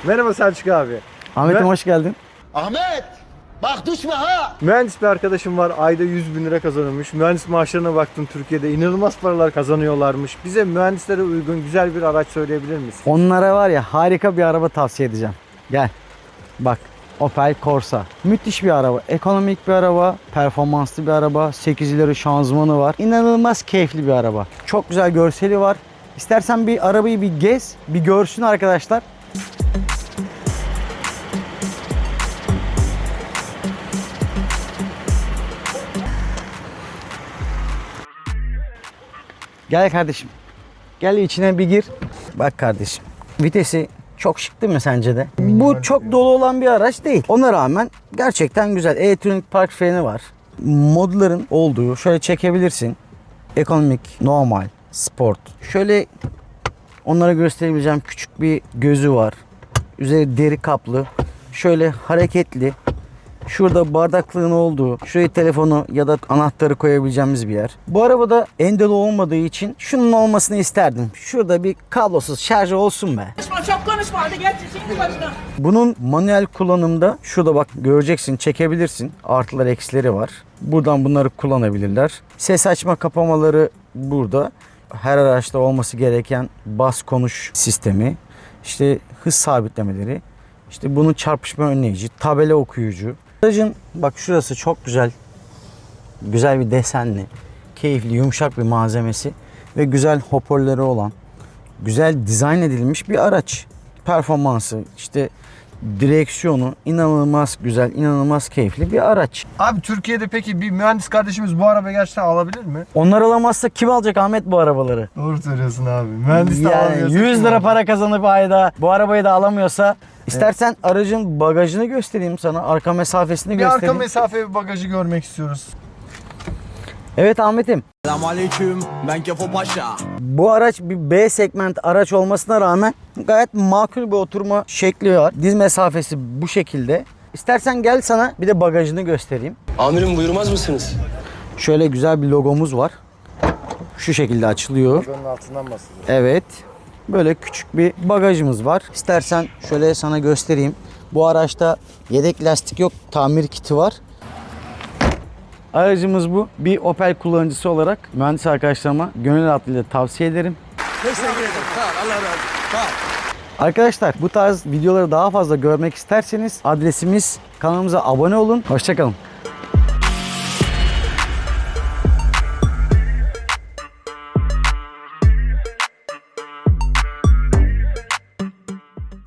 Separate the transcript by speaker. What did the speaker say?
Speaker 1: Merhaba Selçuk abi.
Speaker 2: Ahmet'im hoş geldin.
Speaker 3: Ahmet! Bak düşme ha!
Speaker 1: Mühendis bir arkadaşım var. Ayda 100 bin lira kazanıyormuş. Mühendis maaşlarına baktım, Türkiye'de inanılmaz paralar kazanıyorlarmış. Bize mühendislere uygun güzel bir araç söyleyebilir misin?
Speaker 2: Onlara var ya harika bir araba tavsiye edeceğim. Gel. Bak. Opel Corsa. Müthiş bir araba. Ekonomik bir araba. Performanslı bir araba. 8 ileri şanzımanı var. İnanılmaz keyifli bir araba. Çok güzel görseli var. İstersen bir arabayı bir gez. Bir görsün arkadaşlar. Gel kardeşim. Gel içine bir gir. Bak kardeşim. Vitesi çok şık değil mi sence de? Bu çok dolu olan bir araç değil. Ona rağmen gerçekten güzel. Elektronik park freni var. Modların olduğu şöyle çekebilirsin. Ekonomik, normal, sport. Şöyle onlara gösterebileceğim küçük bir gözü var. Üzeri deri kaplı. Şöyle hareketli. Şurada bardaklığın olduğu, şuraya telefonu ya da anahtarı koyabileceğimiz bir yer. Bu arabada endelo olmadığı için şunun olmasını isterdim. Şurada bir kablosuz şarjı olsun be.
Speaker 4: Çok konuşma hadi geç şimdi başına.
Speaker 2: Bunun manuel kullanımda şurada bak göreceksin, çekebilirsin. Artılar eksileri var. Buradan bunları kullanabilirler. Ses açma kapamaları burada. Her araçta olması gereken bas konuş sistemi. İşte hız sabitlemeleri. İşte bunun çarpışma önleyici, tabela okuyucu. Aracın bak şurası çok güzel. Güzel bir desenli, keyifli, yumuşak bir malzemesi ve güzel hoparlörleri olan, güzel dizayn edilmiş bir araç. Performansı, işte direksiyonu inanılmaz güzel, inanılmaz keyifli bir araç.
Speaker 1: Abi Türkiye'de peki bir mühendis kardeşimiz bu arabayı gerçekten alabilir mi?
Speaker 2: Onlar alamazsa kim alacak Ahmet bu arabaları?
Speaker 1: Doğru söylüyorsun abi. Mühendis de
Speaker 2: Yani
Speaker 1: alamıyorsa
Speaker 2: 100
Speaker 1: kim
Speaker 2: lira
Speaker 1: alacak?
Speaker 2: para kazanıp ayda bu arabayı da alamıyorsa istersen aracın bagajını göstereyim sana, arka mesafesini
Speaker 1: Bir
Speaker 2: göstereyim.
Speaker 1: arka mesafe bir bagajı görmek istiyoruz.
Speaker 2: Evet Ahmet'im.
Speaker 5: Selamünaleyküm. Ben Kefo Paşa.
Speaker 2: Bu araç bir B segment araç olmasına rağmen gayet makul bir oturma şekli var. Diz mesafesi bu şekilde. İstersen gel sana bir de bagajını göstereyim.
Speaker 5: Amirim buyurmaz mısınız?
Speaker 2: Şöyle güzel bir logomuz var. Şu şekilde açılıyor.
Speaker 1: Bunun altından basılıyor.
Speaker 2: Evet. Böyle küçük bir bagajımız var. İstersen şöyle sana göstereyim. Bu araçta yedek lastik yok, tamir kiti var. Aracımız bu. Bir Opel kullanıcısı olarak mühendis arkadaşlarıma gönül rahatlığıyla tavsiye ederim. Arkadaşlar bu tarz videoları daha fazla görmek isterseniz adresimiz, kanalımıza abone olun. Hoşça kalın.